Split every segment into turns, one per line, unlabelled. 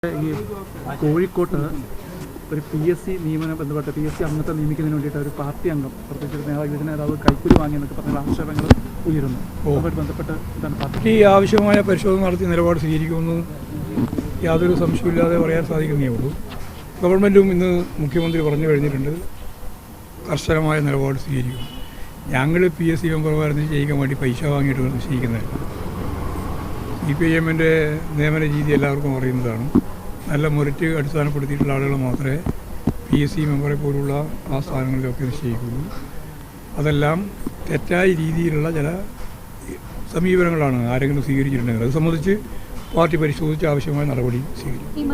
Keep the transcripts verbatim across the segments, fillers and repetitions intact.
ഈ കോഴിക്കോട്ട് ഒരു പി എസ് സി നിയമനം ബന്ധപ്പെട്ട് പി എസ് സി അംഗത്തെ നിയമിക്കുന്നതിന് വേണ്ടിയിട്ട് ഒരു പാർട്ടി അംഗം പ്രത്യേകിച്ച് നേതാവ് നേതാവ് കൈക്കൂലി വാങ്ങിയെന്നൊക്കെ പറഞ്ഞ ആക്ഷേപങ്ങൾ ഉയരുന്നു. അതുമായിട്ട് ബന്ധപ്പെട്ട് ഇതാണ് പാർട്ടി
ആവശ്യമായ പരിശോധന നടത്തി നിലപാട് സ്വീകരിക്കുമെന്ന് യാതൊരു സംശയമില്ലാതെ പറയാൻ സാധിക്കുന്നേ ഉള്ളൂ. ഗവൺമെൻറ്റും ഇന്ന് മുഖ്യമന്ത്രി പറഞ്ഞു കഴിഞ്ഞിട്ടുണ്ട്, കർശനമായ നിലപാട് സ്വീകരിക്കും. ഞങ്ങൾ പി എസ് സി മെമ്പർമാരെ നിശ്ചയിക്കാൻ വേണ്ടി പൈസ വാങ്ങിയിട്ട് നിശ്ചയിക്കുന്നതല്ല. സി പി ഐ എമ്മിൻ്റെ നിയമന രീതി എല്ലാവർക്കും അറിയുന്നതാണ്. നല്ല മെറിറ്റ് അടിസ്ഥാനപ്പെടുത്തിയിട്ടുള്ള ആളുകൾ മാത്രമേ പി എസ് സി മെമ്പറെ പോലുള്ള ആ സ്ഥാനങ്ങളിലൊക്കെ നിശ്ചയിക്കുള്ളൂ. അതെല്ലാം തെറ്റായ രീതിയിലുള്ള ചില സമീപനങ്ങളാണ് ആരെങ്കിലും സ്വീകരിച്ചിട്ടുണ്ടെങ്കിൽ അത് സംബന്ധിച്ച് പാർട്ടി പരിശോധിച്ച് ആവശ്യമായ നടപടി സ്വീകരിക്കും.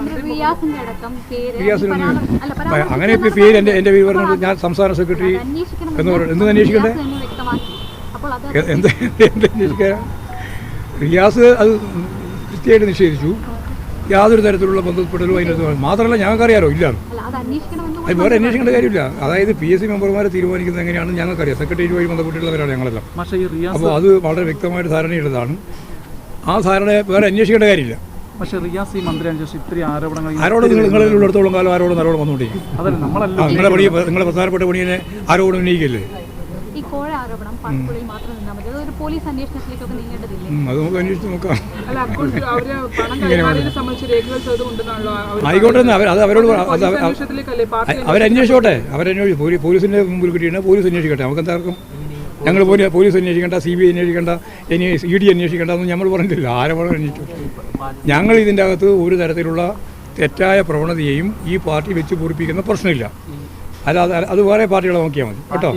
അങ്ങനെ ഇപ്പോൾ പേര് എൻ്റെ എൻ്റെ പേര് പറഞ്ഞത് ഞാൻ സംസ്ഥാന സെക്രട്ടറി എന്ന് പറയുന്നത് എന്ത് അന്വേഷിക്കണ്ടേ? എന്ത് എന്ത് അന്വേഷിക്കാൻ? റിയാസ് അത് കൃത്യമായിട്ട് നിഷേധിച്ചു. യാതൊരു തരത്തിലുള്ള ബന്ധപ്പെടലും അതിനകത്ത് മാത്രമല്ല ഞങ്ങൾക്കറിയാലോ ഇല്ല, അത് വേറെ അന്വേഷിക്കേണ്ട കാര്യമില്ല. അതായത് പി എസ് സി മെമ്പർമാരെ തീരുമാനിക്കുന്നത് എങ്ങനെയാണെന്ന് ഞങ്ങൾക്കറിയാം. സെക്രട്ടേറിയറ്റുമായി ബന്ധപ്പെട്ടുള്ളവരാണ് ഞങ്ങളെല്ലാം. അപ്പോൾ അത് വളരെ വ്യക്തമായിട്ട് ധാരണയുള്ളതാണ്. ആ ധാരണ വേറെ അന്വേഷിക്കേണ്ട കാര്യമില്ല.
പക്ഷേ റിയാസ് ഈ മന്ത്രി ഇത്രയും ആരോപണങ്ങൾ
ആരോട് നിങ്ങൾ നിങ്ങളിലുള്ളിടത്തോളം കാലം ആരോട് നല്ലോണം വന്നുകൊണ്ടിരിക്കും. നിങ്ങളെ പണി നിങ്ങളെ പ്രധാനപ്പെട്ട പണിയെ ആരോടും ഉന്നയിക്കില്ലേ? അത് നമുക്ക് അന്വേഷിച്ച് നോക്കാം. ആയിക്കോട്ടെ, അത് അവരോട് അവരന്വേഷിച്ചോട്ടെ. അവരന്വേഷിച്ചു പോലീസിന്റെ മുമ്പിൽ കിട്ടിയിട്ട് പോലീസ് അന്വേഷിക്കട്ടെ. നമുക്ക് എന്താർക്കും ഞങ്ങൾ പോലും പോലീസ് അന്വേഷിക്കേണ്ട, സി ബി ഐ അന്വേഷിക്കേണ്ട, ഇനി ഇ ഡി അന്വേഷിക്കേണ്ട എന്ന് നമ്മൾ പറഞ്ഞിട്ടില്ല. ആരോപണം അന്വേഷിച്ചു. ഞങ്ങൾ ഇതിൻ്റെ അകത്ത് ഒരു തരത്തിലുള്ള തെറ്റായ പ്രവണതയെയും ഈ പാർട്ടി വെച്ച് പൂരിപ്പിക്കുന്ന പ്രശ്നമില്ല. അല്ലാതെ അത് വേറെ പാർട്ടികളെ നോക്കിയാൽ മതി കേട്ടോ.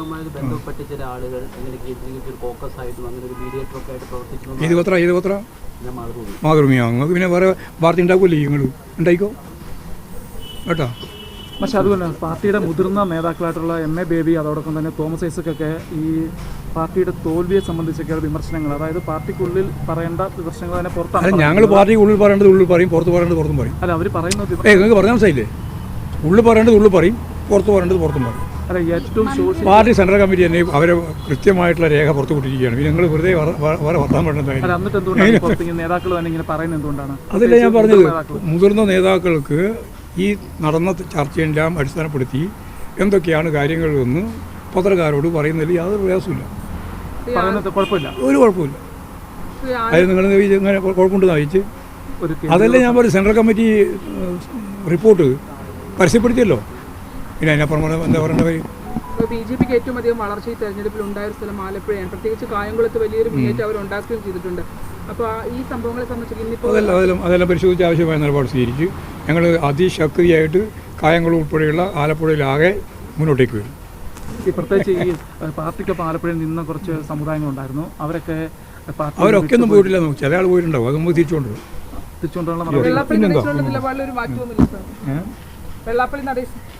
ഇത് പത്ര ഇത് പത്ര മാതൃഭൂമിയോ നിങ്ങൾക്ക് പിന്നെ വേറെ പാർട്ടി ഉണ്ടാക്കില്ലേ? നിങ്ങൾ ഉണ്ടായിക്കോ കേട്ടോ.
പക്ഷെ അതുപോലെ പാർട്ടിയുടെ മുതിർന്ന നേതാക്കളായിട്ടുള്ള എം എ ബേബി അതോടൊപ്പം തന്നെ തോമസ് ഐസക്കൊക്കെ ഈ പാർട്ടിയുടെ തോൽവിയെ സംബന്ധിച്ചൊക്കെയുള്ള വിമർശനങ്ങൾ, അതായത് പാർട്ടിക്കുള്ളിൽ പറയേണ്ട വിമർശനങ്ങൾ തന്നെ പുറത്താണ്. ഞങ്ങൾ
പാർട്ടിക്കുള്ളിൽ പറയേണ്ടത് ഉള്ളിൽ പറയും, പുറത്ത് പറയേണ്ടത് പുറത്തും പറയും.
അല്ല അവർ പറയുന്നത്
ഏ നിങ്ങൾക്ക് പറഞ്ഞാൽ മനസ്സിലായില്ലേ? ഉള്ളിൽ പറയേണ്ടത് ഉള്ളിൽ പറയും, പുറത്ത് പറയേണ്ടത് പുറത്തും പറയും.
അല്ല ഏറ്റവും
പാർട്ടി സെൻട്രൽ കമ്മിറ്റി തന്നെ അവരെ കൃത്യമായിട്ടുള്ള രേഖ പുറത്തു വിട്ടിരിക്കുകയാണ്. പിന്നെ നിങ്ങൾ വെറുതെ വേറെ വർത്താൻ
പറ്റുന്ന നേതാക്കൾ തന്നെ ഇങ്ങനെ പറയുന്നത് എന്തുകൊണ്ടാണ്?
അതല്ല ഞാൻ പറഞ്ഞത്. മുതിർന്ന നേതാക്കൾക്ക് ഈ നടന്ന ചർച്ചയെല്ലാം അടിസ്ഥാനപ്പെടുത്തി എന്തൊക്കെയാണ് കാര്യങ്ങളെന്ന് പത്രക്കാരോട് പറയുന്നതിൽ യാതൊരു പ്രയാസമില്ല,
കുഴപ്പമില്ല,
ഒരു കുഴപ്പമില്ല. അത് നിങ്ങൾ ഇങ്ങനെ കുഴപ്പമുണ്ടെന്ന് അറിയിച്ച് അതല്ലേ ഞാൻ പറയും. സെൻട്രൽ കമ്മിറ്റി റിപ്പോർട്ട് പരസ്യപ്പെടുത്തിയല്ലോ. പിന്നെ അതിനപ്പുറം എന്താ പറയേണ്ട കാര്യം?
ബി ജെ പിക്ക് ഏറ്റവും അധികം വളർച്ച ഈ തെരഞ്ഞെടുപ്പിൽ ഉണ്ടായ സ്ഥലം ആലപ്പുഴയാണ്. പ്രത്യേകിച്ച് കായംകുളത്ത് വലിയൊരു മുന്നേറ്റം അവർ ഉണ്ടാക്കുകയും ചെയ്തിട്ടുണ്ട്. അപ്പോൾ ഈ സംഭവങ്ങളെ സംബന്ധിച്ച്
അതെല്ലാം അതെല്ലാം അതെല്ലാം പരിശോധിച്ച് ആവശ്യമായ നിലപാട് സ്വീകരിച്ച് ഞങ്ങൾ അതിശക്തിയായിട്ട് കായംകുളം ഉൾപ്പെടെയുള്ള ആലപ്പുഴയിലാകെ മുന്നോട്ടേക്ക് വരും.
ഈ പ്രത്യേകിച്ച് ഈ പാർട്ടിക്കൊപ്പം ആലപ്പുഴയിൽ നിന്ന് കുറച്ച് സമുദായങ്ങളുണ്ടായിരുന്നു. അവരൊക്കെ
അവരൊക്കെ ഒന്നും പോയിട്ടില്ല. ചില ആൾ പോയിട്ടുണ്ടാവും. അത് നമുക്ക് തിരിച്ചുകൊണ്ടുവരും.
തിരിച്ചുകൊണ്ടുള്ള
വെള്ളാപ്പള്ളി നടേശനുള്ള നിലപാടിലൊരു മാറ്റമൊന്നുമില്ല സാർ. വെള്ളാപ്പള്ളി നടേശ്